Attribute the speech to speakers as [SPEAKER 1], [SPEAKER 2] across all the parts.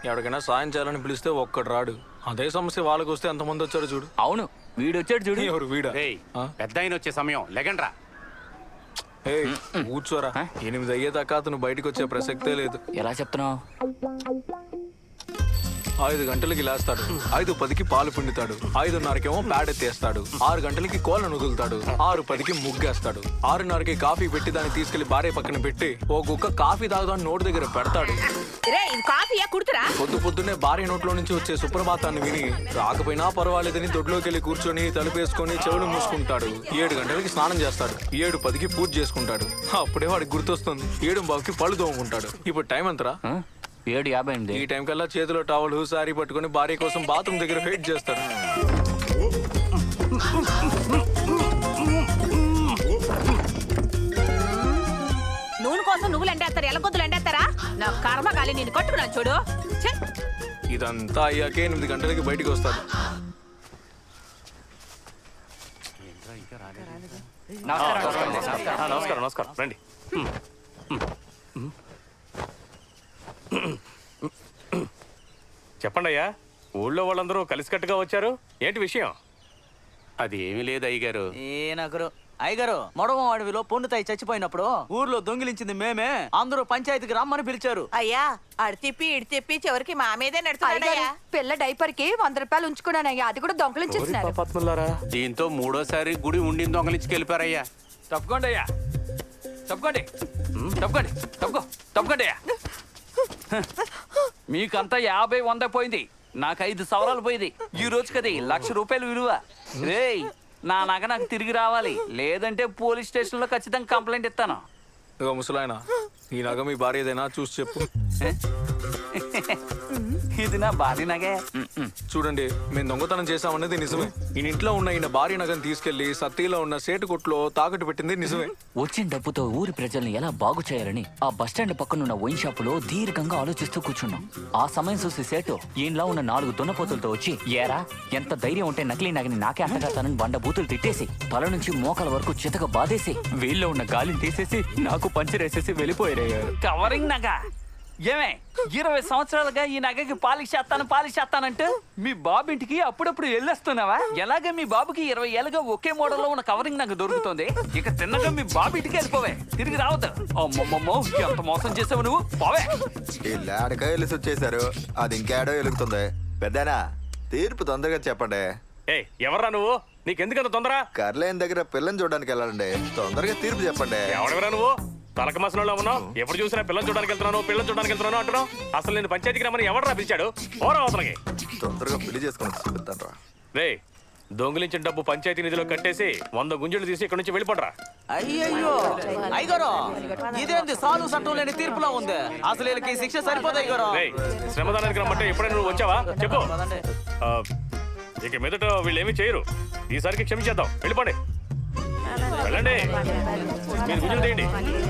[SPEAKER 1] ఎవరికైనా సాయం చేయాలని పిలిస్తే ఒక్కడు రాడు. అదే సమస్య వాళ్ళకి వస్తే ఎంతమంది వచ్చారో చూడు.
[SPEAKER 2] అవును, వీడు వచ్చాడు చూడు.
[SPEAKER 1] ఎవరు వీడా?
[SPEAKER 3] పెద్ద ఆయన వచ్చే సమయం లెగండ్రా.
[SPEAKER 1] కూర్చోరా. 8 అయ్యేదాకా అతను బయటకు వచ్చే ప్రసక్తే లేదు.
[SPEAKER 2] ఎలా చెప్తున్నావు?
[SPEAKER 1] 5 గంటలకి లేస్తాడు, 5:10కి పాలు పిండుతాడు, 5:30కేమో ప్యాడ్ ఎత్తేస్తాడు, 6 గంటలకి కోళ్ళను వదులుతాడు, 6:10కి ముగ్గేస్తాడు, 6:30కి కాఫీ పెట్టి దాన్ని తీసుకెళ్లి భార్య పక్కన పెట్టి ఓ కుక్క కాఫీ తాగుదాని నోటి దగ్గర పెడతాడు. పొద్దున్నే భార్య నోట్లో నుంచి వచ్చే సుప్రభాతాన్ని విని రాకపోయినా పర్వాలేదని దొడ్లోకి వెళ్ళి కూర్చొని తలుపేసుకొని చెవులు మూసుకుంటాడు. 7 గంటలకి స్నానం చేస్తాడు, 7:10కి పూజ చేసుకుంటాడు. అప్పుడే వాడికి గుర్తొస్తుంది 7:15కి పళ్ళు తోముకుంటాడు. ఇప్పుడు టైం ఎంతరా?
[SPEAKER 2] 7:50.
[SPEAKER 1] ఈ టైం కల్లా చేతిలో టవల్ సారీ పట్టుకుని భార్య కోసం బాత్రూమ్ దగ్గర వెయిట్ చేస్తాడు.
[SPEAKER 4] నూనె కోసం నువ్వులు ఎండేస్తారు, ఎలగొద్దులు ఎండేస్తారా? నా కర్మ గాలి నేను కొట్టుకున్నా చూడు.
[SPEAKER 1] ఇదంతా అయ్యాకే 8 గంటలకి బయటికి వస్తాడు.
[SPEAKER 3] నమస్కారం నమస్కారం రండి. చెప్పండి అయ్యా, ఊళ్ళో వాళ్ళందరూ కలిసికట్టుగా వచ్చారు, ఏంటి విషయం? అది ఏమీ లేదు అయ్యగారు.
[SPEAKER 5] అయ్యగారు, మొడవ అడవిలో పొన్నుతాయి చచ్చిపోయినప్పుడు ఊర్లో దొంగిలించింది మేమే. అందరూ పంచాయతీకి రమ్మని పిలిచారు.
[SPEAKER 4] అయ్యా అడి తిప్పి ఇడి తిప్పి చివరికి మా మీదే నడుతున్నాడయ్యా.
[SPEAKER 6] పిల్ల డైపర్ కి 100 రూపాయలు ఉంచుకున్నానయ్యా, అది కూడా దొంగలించేస్తున్నారు.
[SPEAKER 3] దీంతో 3వ సారి గుడి ఉండింది దొంగలించి వెళ్ళిపోయారయ్యా.
[SPEAKER 2] తప్పుకోండి అయ్యా, తప్పుకోండి, తప్పుకోండి అయ్యా. మీకంతా 50, 100 పోయింది, నాకు 5 సవరాలు పోయింది. ఈ రోజు కది 1,00,000 రూపాయలు విలువ. రేయ్, నా నగ నాకు తిరిగి రావాలి, లేదంటే పోలీస్ స్టేషన్ లో ఖచ్చితంగా కంప్లైంట్ ఇస్తాను.
[SPEAKER 1] ముసలాయన, ఈ నగ మీ భార్య ఏదైనా చూసి చెప్పు.
[SPEAKER 2] ఇది నా భార్య నగే.
[SPEAKER 1] చూడండి, మేము దొంగతనం చేశామన్నది నిజమే. ఈయన ఇంట్లో ఉన్న ఈయన భార్య నగను తీసుకెళ్లి సత్తిలో ఉన్న సేటు కొట్లో తాకట్టు పెట్టింది నిజమే.
[SPEAKER 2] వచ్చిన డబ్బుతో ఊరి ప్రజల్ని ఎలా బాగు చేయాలని ఆ బస్టాండ్ పక్కనున్న వైన్ షాప్ లో దీర్ఘంగా ఆలోచిస్తూ కూర్చున్నాం. ఆ సమయం చూసి సేటు ఈయనలా ఉన్న 4 దున్నపోతులతో వచ్చి, ఏరా ఎంత ధైర్యం ఉంటే నకిలీ నగని నాకే అంటగడతానని బండ బూతులు తిట్టేసి తల నుంచి మోకాల వరకు చితక బాధేసి వీళ్ళలో ఉన్న గాలిని తీసేసి నాకు పంచరేసేసి వెళ్ళిపోయారు. కవరింగ్ నగ ఏమే 20 సంవత్సరాలుగా ఈ నగకి పాలిష్ చేస్తానంటే మీ బాబు ఇంటికి అప్పుడప్పుడు వెళ్ళొస్తున్నావా? ఎలాగే మీ బాబుకి 20 ఏళ్ళుగా ఒకే మోడల్లో ఉన్న కవరింగ్ నగ దొరుకుతుంది. ఇక తిన్నగా మీ బాబు ఇంటికి వెళ్ళిపోవే, తిరిగి రావద్దు. అమ్మమ్మమ్మో, ఎంత మోసం చేసావు నువ్వు, పోవే.
[SPEAKER 7] ఇల్లాడక వెళ్ళి వచ్చేసారు, అది ఇంకేడో వెలుగుతుంది. పెద్దనా తీర్పు తొందరగా చెప్పండి.
[SPEAKER 3] ఎవర్రా నువ్వు? నీకెందుకంత తొందర?
[SPEAKER 7] కర్లేని దగ్గర పిల్లని చూడడానికి వెళ్ళాలండి, తొందరగా తీర్పు చెప్పండి.
[SPEAKER 3] ఎవరెవరా నువ్వు? తలక మసనంలో ఉన్నావు, ఎప్పుడు చూసినా పిల్లలు చూడడానికి వెళ్తున్నాను అంటున్నావు. అసలు నేను పంచాయతీకి రమ్మని ఎవడరా పిలిచాడు? పోరా అవతలకి.
[SPEAKER 7] తొందరగా పెళ్లి చేసుకుని చెప్తాను.
[SPEAKER 3] రే, దొంగిలించిన డబ్బు పంచాయతీ నిధిలో కట్టేసి 100 గుంజలు తీసి ఇక్కడ నుంచి వెళ్ళిపోడరా.
[SPEAKER 5] అయ్యయ్యో అయ్యగారు, ఇదేంది సాధు చట్టం లేని తీర్పులా ఉంది. అసలు వీళ్ళకి శిక్ష సరిపోదు అయ్యగారు.
[SPEAKER 3] శ్రమదానానికి రమ్మంటే ఎప్పుడైనా నువ్వు వచ్చావా చెప్పు. ఇక మీదట వీళ్ళు ఏమీ చేయరు, ఈసారికి క్షమించేద్దాం. వెళ్ళిపోండి, వెళ్ళండి, మీరు గుంజలు తీయండి.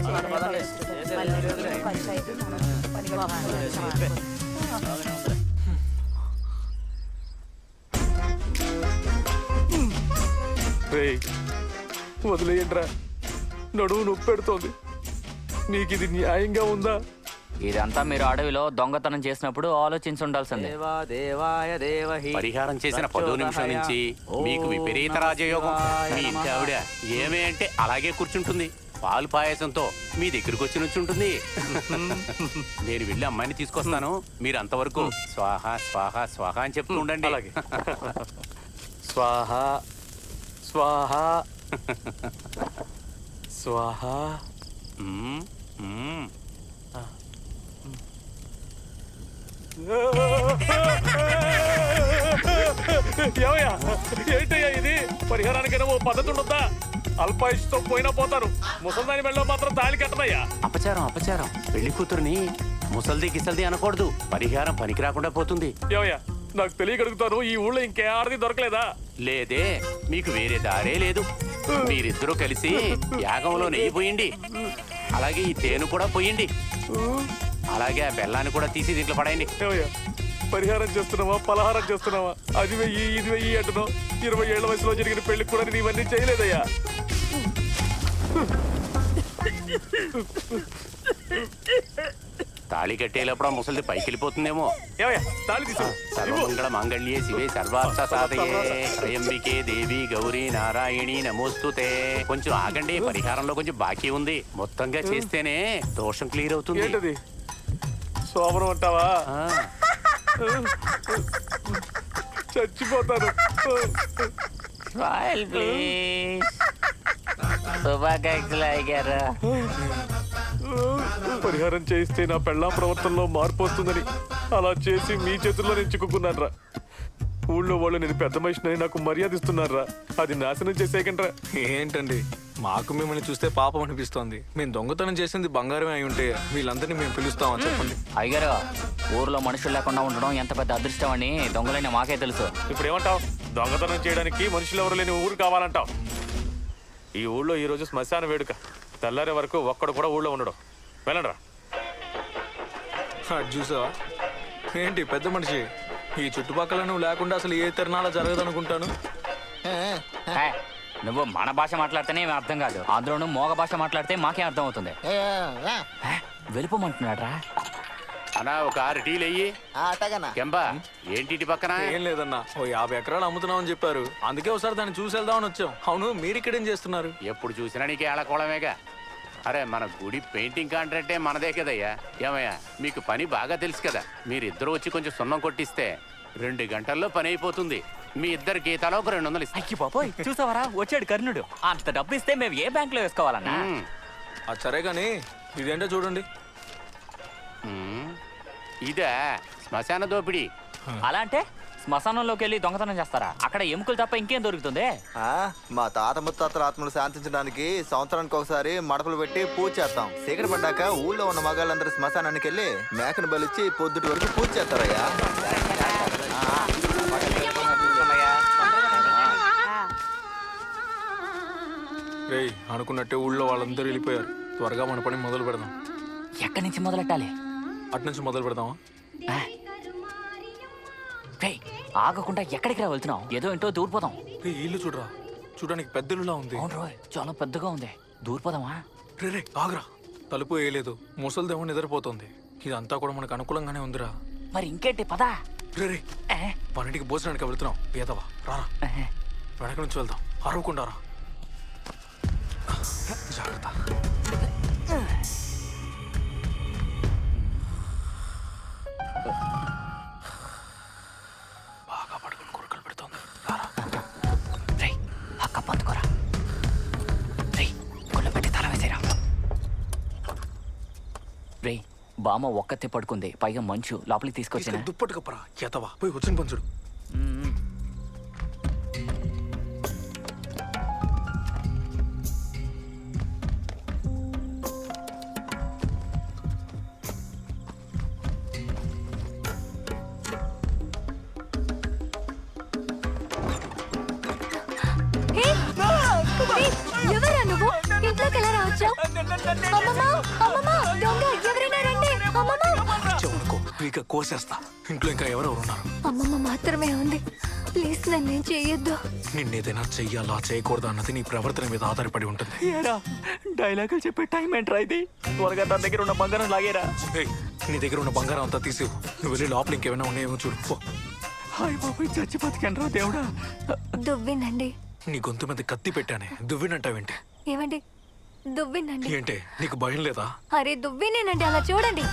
[SPEAKER 1] వదిలేయండిరా, నడువు నొప్పి పెడుతోంది. నీకు ఇది న్యాయంగా ఉందా?
[SPEAKER 2] ఇదంతా మీరు అడవిలో దొంగతనం చేసినప్పుడు ఆలోచించి ఉండాల్సిందే.
[SPEAKER 3] పరిహారం చేసిన 10 నిమిషం నుంచి మీకు విపరీత రాజయోగం. మీ ఇంటి ఆవిడ ఏమే అంటే అలాగే కూర్చుంటుంది, పాలు పాయసంతో మీ దగ్గరకు వచ్చి నుంచుంటుంది. నేను వెళ్ళి అమ్మాయిని తీసుకొస్తాను, మీరు అంతవరకు స్వాహ స్వాహ స్వాహ అని చెప్తూ ఉండండి. అలాగే.
[SPEAKER 1] స్వాహ స్వాహ స్వాహ.
[SPEAKER 3] ఏంటయ్యా ఇది? పరిహారానికైనా ఓ పద్ధతి ఉండొద్దా? అల్పాయుష్తో పోయినా పోతారు, ముసల్దాని మెళ్ళలో మాత్రం తాళి కట్టదయ్యా. అపచారం. పెళ్లి కూతురుని ముసల్ది గిసల్ది అనకూడదు, పరిహారం పనికి రాకుండా పోతుంది. ఏమయ్యా, నాకు తెలియగలుగుతాను, ఈ ఊళ్ళో ఇంకే ఆడది దొరకలేదా? లేదే, మీకు వేరే దారే లేదు. మీరిద్దరూ కలిసి యాగంలో నెయ్యి పోయండి, అలాగే ఈ తేనె కూడా పోయండి, అలాగే ఆ బెల్లాన్ని కూడా తీసి దీంట్లో పడేయండి. పరిహారం చేస్తున్నావా, పలహారం చేస్తున్నావా? అది వెయ్యి ఇది వెయ్యి అంటున్నావు. 20 ఏళ్ల వయసులో జరిగిన పెళ్లికి కూడా నేను ఇవన్నీ చేయలేదయ్యా. తాళి కట్టేటప్పుడు ఆ ముసలిది పైకి వెళ్ళిపోతుందేమో.
[SPEAKER 1] ఏమయ్యా తాళి తీసు
[SPEAKER 3] సర్వమంగళ మాంగళ్యే శివే సర్వార్థ సాధయే త్రయంబికే దేవి గౌరీ నారాయణి నమోస్తుతే. కొంచెం ఆగండి, పరిహారంలో కొంచెం బాకీ ఉంది. మొత్తంగా చేస్తేనే దోషం క్లియర్ అవుతుంది.
[SPEAKER 1] ఏంటది సోమరం అంటావా?
[SPEAKER 3] ఆ,
[SPEAKER 1] చచ్చిపోతాను.
[SPEAKER 2] Smile please. శుభాకాంక్షలు అయ్యారు.
[SPEAKER 1] పరిహారం చేయిస్తే నా పెళ్ళాం ప్రవర్తనలో మార్పు వస్తుందని అలా చేసి మీ చేతుల్లో నేను చిక్కుకున్నారా? ఊళ్ళో వాళ్ళు నేను పెద్ద మనిషిని నాకు మర్యాద ఇస్తున్నారా? అది నాశనం చేసేయకండ్రా. ఏంటండి మాకు మిమ్మల్ని చూస్తే పాపం అనిపిస్తోంది. మేము దొంగతనం చేసింది బంగారమే అయి ఉంటే వీళ్ళందరినీ మేము పిలుస్తామా చెప్పండి.
[SPEAKER 2] అయ్యారు, ఊర్లో మనుషులు లేకుండా ఉండడం ఎంత పెద్ద అదృష్టం అని దొంగలైన మాకే తెలుసు.
[SPEAKER 1] ఇప్పుడు ఏమంటావు? దొంగతనం చేయడానికి మనుషులు ఎవరు లేని ఊరు కావాలంటావు? ఈ ఊళ్ళో ఈ రోజు శ్మశాన వేడుక. తెల్లారే వరకు ఒక్కడు కూడా ఊళ్ళో ఉండడం. వెళ్ళండ్రా. చూసావా ఏంటి పెద్ద మనిషి, ఈ చుట్టుపక్కల నువ్వు లేకుండా అసలు ఏ తిరణాల జరగదనుకుంటాను.
[SPEAKER 2] హే, నువ్వు మన భాష మాట్లాడితేనే ఏమీ అర్థం కాదు, అందులోనూ మోగ భాష మాట్లాడితే మాకేం అర్థం అవుతుంది. హే, వెళ్ళిపోమంటున్నాడ్రా.
[SPEAKER 3] అన్నా ఒక 6 టీలు అయ్యి. కెంబా ఏంటి ఇటు పక్కన?
[SPEAKER 1] ఏం లేదన్నా, ఓ 50 ఎకరాలు అమ్ముతున్నామని చెప్పారు. అందుకే ఒకసారి దాన్ని చూసి వెళ్దామని వచ్చాం. అవును, మీరు ఇక్కడేం చేస్తున్నారు?
[SPEAKER 3] ఎప్పుడు చూసినా నీకు ఏళకోవడమేగా. అరే మన గుడి పెయింటింగ్ కాంట్రాక్టే మనదే కదయ్యా. ఏమయ్యా మీకు పని బాగా తెలుసు కదా. మీరిద్దరు వచ్చి కొంచెం సున్నం కొట్టిస్తే 2 గంటల్లో పని అయిపోతుంది. మీ ఇద్దరు గీతాలో ఒక 200 ఇస్తాయి.
[SPEAKER 2] అయ్యి బాబోయ్, చూసావరా వచ్చాడు కర్ణుడు. అంత డబ్బు ఇస్తే మేము ఏ బ్యాంక్ లో వేసుకోవాలన్నా?
[SPEAKER 1] అది సరే కానీ ఇదేంటో చూడండి.
[SPEAKER 3] ఇదే శ్మశాన దోపిడీ.
[SPEAKER 2] అలా అంటే శ్మశానంలోకి వెళ్ళి దొంగతనం చేస్తారా? అక్కడ ఎముకలు తప్ప ఇంకేం దొరుకుతుంది?
[SPEAKER 7] మా తాత ముత్తాతల ఆత్మలు శాంతించడానికి సంవత్సరానికి ఒకసారి మడపలు పెట్టి పూజ చేస్తాం. చీకటి పడ్డాక ఊళ్ళో ఉన్న మగాళ్ళందరూ శ్మశానానికి వెళ్ళి మేకను బలిచ్చి పొద్దుటి వరకు పూజ చేస్తారయ్యా.
[SPEAKER 1] రేయ్, అనుకున్నట్టే ఊళ్ళో వాళ్ళందరూ వెళ్ళిపోయారు. త్వరగా మన పని మొదలు పెడదాం.
[SPEAKER 2] ఎక్కడి నుంచి మొదలెట్టాలి?
[SPEAKER 1] అటు నుంచి మొదలు పెడదామా?
[SPEAKER 2] రేయ్, ఆగకుండా ఎక్కడికి రా వెళ్తున్నావు? ఏదో ఏంటో దూరిపోదాం.
[SPEAKER 1] రేయ్, ఇల్లు చూడరా, చూడడానికి పెద్ద ఇల్లులా ఉంది.
[SPEAKER 2] అవును రోయ్, చాలా పెద్దగా ఉంది. దూరిపోదామా?
[SPEAKER 1] రే ఆగరా, తలుపు వేయలేదు, ముసలిదేమో నిద్రపోతుంది. ఇదంతా కూడా మనకు అనుకూలంగానే ఉందిరా.
[SPEAKER 2] మరి ఇంకేంటి, పదా.
[SPEAKER 1] రే పన్నింటికి భోజనానికి వెళ్తున్నాం. పేదవా రారా, వెనక నుంచి వెళ్దాం. అరవకుండా రా, జాగ్రత్త. బాగా పడుకుని కొరకలు పెడుతుంది.
[SPEAKER 2] రేయ్, ఆ కప్పు అందుకోరా. రేయ్, గుళ్ళ పెట్టి తల వేసేరా. రేయ్, బామ్మ ఒక్కతే పడుకుంది, పైగా మంచు. లోపలికి తీసుకొచ్చిన
[SPEAKER 1] దుప్పటి కప్పరా ఎతవా, పోయి వచ్చిన పంచుడు.
[SPEAKER 6] ఎవరా నువ్వు? ఇంట్లోకి ఎలా రావచ్చావు? ఎవరైనా రండి.
[SPEAKER 1] చెవునుకో, ఇక కోసేస్తా. ఇంట్లో ఇంకా ఎవరెవరు ఉన్నారు?
[SPEAKER 6] అమ్మమ్మ మాత్రమే ఉంది. ప్లీజ్ నన్నేం చెయ్యొద్దు.
[SPEAKER 1] నిన్నేదైనా చెయ్యాలా చేయకూడదా అన్నది నీ ప్రవర్తన మీద ఆధారపడి ఉంటుంది.
[SPEAKER 2] డైలాగులు చెప్పే టైం ఏంట్రా ఇది? త్వరగా తన దగ్గర ఉన్న బంగారం లాగేరా.
[SPEAKER 1] ఏయ్, నీ దగ్గర ఉన్న బంగారం అంతా తీసి నువ్వు వెళ్ళి లోపల ఇంకేమైనా ఉన్నాయేమో చూడు. పో.
[SPEAKER 2] హాయ్ బాబు, చచ్చి బతికండ్రా దేవుడా.
[SPEAKER 6] దువ్వినండి.
[SPEAKER 1] నీ గొంతు మీద కత్తి పెట్టానే, దువ్వినంటావేంటి?
[SPEAKER 6] ఏమండి, దువ్వినండి.
[SPEAKER 1] ఏంటే నీకు భయం లేదా?
[SPEAKER 6] అరే దువ్వినేనండి, అలా చూడండి.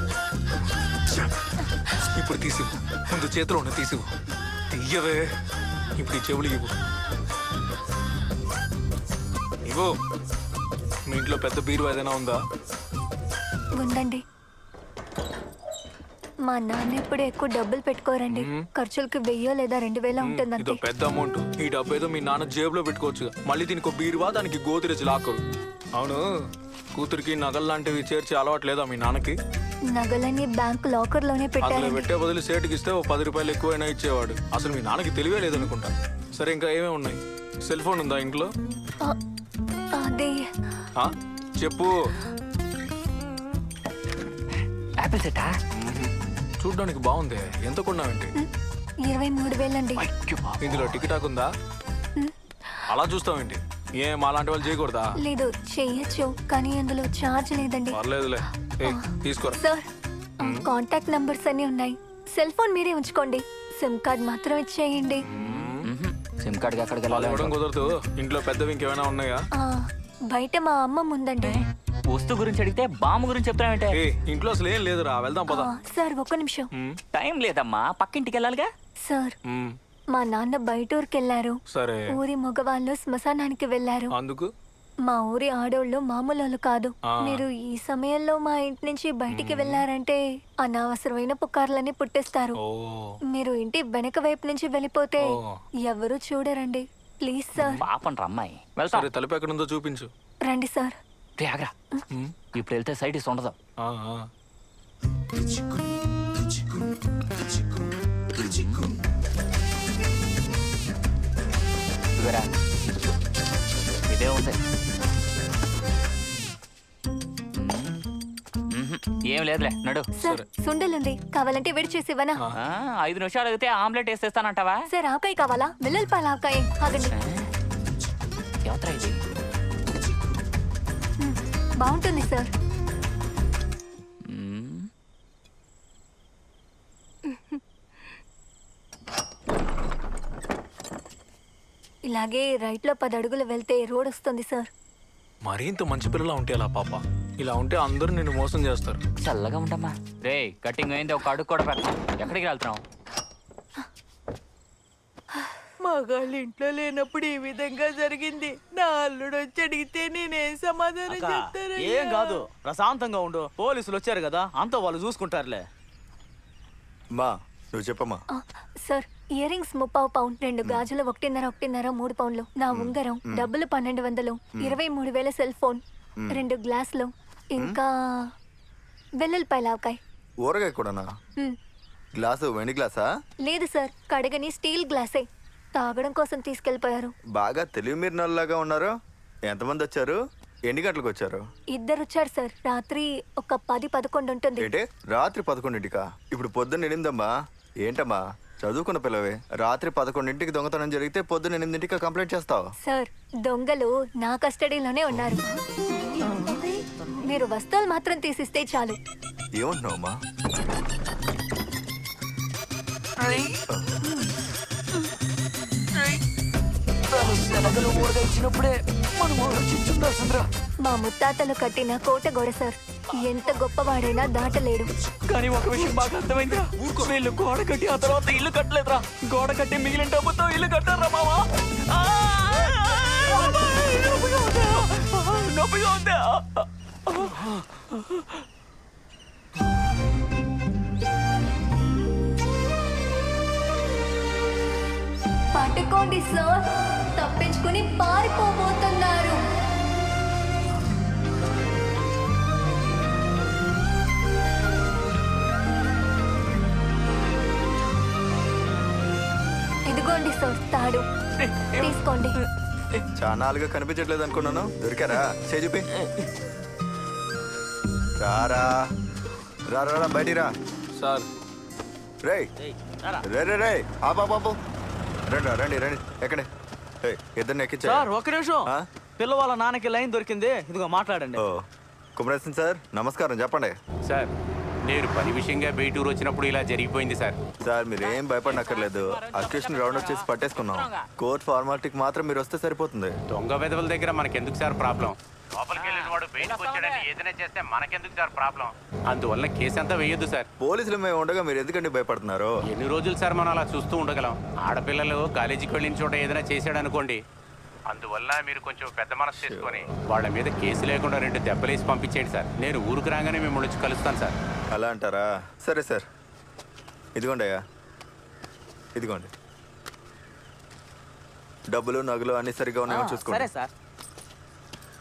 [SPEAKER 1] ఇప్పుడు తీసివు, ముందు చేతిలో ఉన్న తీసివు. తీయవే. ఇప్పుడు ఈ చెవులు ఇవ్వు. ఇవ్వు. మీ ఇంట్లో పెద్ద బీరువా ఏదైనా ఉందా?
[SPEAKER 6] ఉందండి. మా నాన్న ఇప్పుడు ఎక్కువ డబ్బులు పెట్టుకోరండి. ఖర్చులకి 1000 లేదా 2000 ఉంటుందంతే.
[SPEAKER 1] ఇదో పెద్ద అమౌంట్. ఈ డబ్బు ఏదో మీ నాన్న జేబులో పెట్టుకోవచ్చు. మళ్ళీ దీనికి ఒక బీరువా, దానికి గోతిరెచ్చి లాక్కరు. అవును, కూతురికి నగలు లాంటివి చేర్చి అలవాటు లేదా మీ నాన్నకి?
[SPEAKER 6] నగలని బ్యాంక్ లాకర్ లోనే
[SPEAKER 1] అందులో
[SPEAKER 6] పెట్టారండి.
[SPEAKER 1] పెట్టే బదులు సేటుకి ఇస్తే ఓ 10 రూపాయలు ఎక్కువైనా ఇచ్చేవాడు. అసలు మీ నాన్నకి తెలివే లేదనుకుంటా. సరే, ఇంకా ఏమేమి ఉన్నాయి? సెల్ ఫోన్ ఉందా ఇంట్లో?
[SPEAKER 6] అదే
[SPEAKER 1] ఆ? చెప్పు.
[SPEAKER 2] యాపిల్ సెట్టా?
[SPEAKER 1] చూడ్డానికి బాగుంది. ఎంత కొన్నావేంటి?
[SPEAKER 6] 23,000 అండి.
[SPEAKER 1] ఇందులో టికెటాక్ ఉందా? అలా చూస్తావేంటి? ఏం అలాంటి వాళ్ళు చేయకూడదా?
[SPEAKER 6] లేదు, చెయ్యొచ్చు, కానీ అందులో ఛార్జ్ లేదండి.
[SPEAKER 1] పర్లేదులే. తీసుకోరా.
[SPEAKER 6] సార్, కాంటాక్ట్ నంబర్స్ అన్ని ఉన్నాయి. సెల్ ఫోన్ మీరే ఉంచుకోండి. సిమ్ కార్డ్ మాత్రం ఇచ్చేయండి.
[SPEAKER 2] సిమ్ కార్డ్కి ఎక్కడికి
[SPEAKER 1] వాళ్ళు
[SPEAKER 2] వెళ్ళాలి?
[SPEAKER 1] ఇవ్వడం కుదరదు. ఇంట్లో పెద్దవి ఇంకేమైనా ఉన్నాయా?
[SPEAKER 6] ఆ, బయట మా అమ్మ ముందండి.
[SPEAKER 2] వస్తువు గురించి అడిగితే బామ్మ గురించి చెప్తానంటే
[SPEAKER 1] ఏ ఇంట్లో అసలు ఏం లేదురా, వెళ్దాం పద.
[SPEAKER 6] సార్ ఒక్క నిమిషం.
[SPEAKER 2] టైం లేదమ్మా, పక్కింటికి వెళ్ళాలిగా.
[SPEAKER 6] సార్
[SPEAKER 1] మ్మ్.
[SPEAKER 6] మా నాన్న బయట ఊరికి వెళ్ళారు.
[SPEAKER 1] సరే,
[SPEAKER 6] ఊరి మగవాళ్ళు శ్మశానానికి వెళ్ళారు.
[SPEAKER 1] అందుకు
[SPEAKER 6] మా ఊరి ఆడోళ్ళు మామూలు కాదు.
[SPEAKER 1] ఆ.
[SPEAKER 6] మీరు ఈ సమయంలో మా ఇంటి నుంచి బయటికి వెళ్ళారంటే అనవసరమైన పుకార్లని పుట్టిస్తారు.
[SPEAKER 1] ఓ
[SPEAKER 6] మీరు ఇంటి వెనక వైపు నుంచి వెళ్ళిపోతే
[SPEAKER 1] ఓ.
[SPEAKER 6] ఎవరు చూడరండి. Please sir.
[SPEAKER 2] పాపం రా అమ్మాయి, వెళ్తా.
[SPEAKER 1] సరే, తలుపు ఎక్కడుందో చూపించు.
[SPEAKER 6] రండి సార్.
[SPEAKER 2] రే ఆగ్రా, ఇప్పుడు వెళ్తే సైడ్ ఇస్ ఉండదు.
[SPEAKER 1] ఆ, ఆ.
[SPEAKER 2] ఇదిగోరా. ఇదే ఉంది. ఏం లేదులే, నడు.
[SPEAKER 6] సార్ సుండలుంది, కావాలంటే వేడి చేసి ఇవ్వనా?
[SPEAKER 2] 5 నిమిషాలు అడిగితే ఆమ్లెట్ వేసేస్తానంటావా?
[SPEAKER 6] సార్ ఆకాయ కావాలా? వెల్లుల్లిపాయల ఆకాయ. ఆగండి.
[SPEAKER 2] ఎవతరా ఇది?
[SPEAKER 6] బాగుంటుంది సార్.
[SPEAKER 2] మ్మ్.
[SPEAKER 6] ఇలాగే రైట్ లో 10 అడుగులు వెళ్తే రోడ్ వస్తుంది సార్.
[SPEAKER 1] మరీ ఇంత మంచి పిల్లలా ఉంటే అలా పాప. ఇలా ఉంటే అందరూ నిన్ను మోసం చేస్తారు.
[SPEAKER 2] చల్లగా ఉండమ్మా. రే కటింగ్ అయింది, ఒక అడుగు కూడా పెడతాం. ఎక్కడికి వెళ్తున్నాం?
[SPEAKER 8] మగాళ్ళు ఇంట్లో లేనప్పుడు ఈ విధంగా జరిగింది. నా అల్లుడు వచ్చి అడిగితే నేనేం సమాధానం
[SPEAKER 5] అక్క,
[SPEAKER 8] చెప్తాను?
[SPEAKER 5] ఏం కాదు, ప్రశాంతంగా ఉండు. పోలీసులు వచ్చారు కదా, అంతా వాళ్ళు చూసుకుంటారులే.
[SPEAKER 7] మా నువ్వు చెప్పమ్మా.
[SPEAKER 6] సార్ ఇయర్ రింగ్స్ 30 పౌండ్, 2 గాజులు 1.5 3 పౌండ్లు, నా ఉంగరం, డబ్బులు 1200, 23,000 సెల్ ఫోన్, 2 గ్లాసులు, ఇంకా వెల్లుల్లిపాయల ఆవకాయ.
[SPEAKER 7] ఊరగాయ కూడానా? గ్లాసు వెండి గ్లాసా?
[SPEAKER 6] లేదు సార్, కడగని స్టీల్ గ్లాసే. తాగడం కోసం తీసుకెళ్లిపోయారు.
[SPEAKER 7] బాగా తెలివి మీరినలాగా ఉన్నారు. ఎంతమంది వచ్చారు? ఎన్ని గంటలకు వచ్చారు?
[SPEAKER 6] 2 వచ్చారు సార్. రాత్రి ఒక 10-11 ఉంటుంది.
[SPEAKER 7] ఏంటి రాత్రి 11ంటికా? ఇప్పుడు పొద్దున్న 8 ఏంటమ్మా చదువుకున్న పిల్లవే. రాత్రి 11ంటికి దొంగతనం జరిగితే పొద్దున్న 8ంటికి కంప్లైంట్ చేస్తావు?
[SPEAKER 6] సార్ దొంగలు నా కస్టడీలోనే ఉన్నారు. మీరు వస్తువులు మాత్రం తీసిస్తే చాలు.
[SPEAKER 7] ఏమంటున్నావమ్మా?
[SPEAKER 6] మా ముత్తాతలు కట్టిన కోట గోడ సార్. ఎంత గొప్పవాడైనా దాటలేడు.
[SPEAKER 2] కానీ ఒక విషయం బాగా అర్థమైందిరా. వీళ్ళు గోడ కట్టి ఆ తర్వాత ఇల్లు కట్టలేదురా. గోడ కట్టి మిగిలిన డబ్బుతో ఇల్లు కట్టారా మావా? నొప్పిగా ఉందా?
[SPEAKER 6] పట్టుకోండి సార్, తప్పించుకుని పారిపోబోతున్నారు. ఇదిగోండి సార్ తాడు, తీసుకోండి.
[SPEAKER 7] చానాలుగా కనిపించట్లేదు అనుకున్నాను. దొరికారా? చూపి. రారా రారా బయటికి రా.
[SPEAKER 1] సార్
[SPEAKER 7] రే
[SPEAKER 5] ఏయ్, రారా.
[SPEAKER 7] రే రే రే ఆ బాబు రండి రండి రండి. ఎక్కడే ఇద్దరిని ఎక్కించా.
[SPEAKER 5] సార్ ఒక్క నిమిషం.
[SPEAKER 7] ఆ?
[SPEAKER 5] పిల్ల వాళ్ళ నాన్నకి లైన్ దొరికింది, ఇదిగో మాట్లాడండి.
[SPEAKER 7] ఓ కుమరేశన్ సార్ నమస్కారం, చెప్పండి.
[SPEAKER 3] సార్ నేను పని విషయంగా బయటూరు వచ్చినప్పుడు ఇలా జరిగిపోయింది సార్.
[SPEAKER 7] సార్ మీరేం భయపడనక్కర్లేదు. అక్యూషన్ రౌండ్ వచ్చేసి పట్టేసుకున్నాం. కోర్ట్ ఫార్మాలిటీకి మాత్రం మీరు వస్తే సరిపోతుంది.
[SPEAKER 3] దొంగ వెధవల దగ్గర మనకెందుకు సార్ ప్రాబ్లం? లోపలికి వెళ్ళిన వాడు బయటకు వచ్చాడని ఏదైనా చేస్తే మనకెందుకు సార్ ప్రాబ్లం? అందువల్ల కేసు అంతా వేయొద్దు సార్.
[SPEAKER 7] పోలీసులు మేము ఉండగా మీరు ఎందుకండి భయపడుతున్నారు?
[SPEAKER 3] ఎన్ని రోజులు సార్ మనం అలా చూస్తూ ఉండగలం? ఆడపిల్లలు కాలేజీకి వెళ్ళిన చోట ఏదైనా చేశాడు అనుకోండి, అందువల్ల మీరు కొంచెం పెద్ద మనసు చేసుకొని వాళ్ళ మీద కేసు లేకుండా 2 దెబ్బలేసి పంపించేయండి సార్. నేను ఊరికి రాగానే మిమ్మల్ని వచ్చి కలుస్తాను సార్.
[SPEAKER 7] అలా అంటారా? సరే సార్, ఇదిగోండి అయ్యా, ఇదిగోండి డబ్బులు నగలు అన్ని సరిగా ఉన్నాయో చూసుకోండి.
[SPEAKER 5] సరే సార్.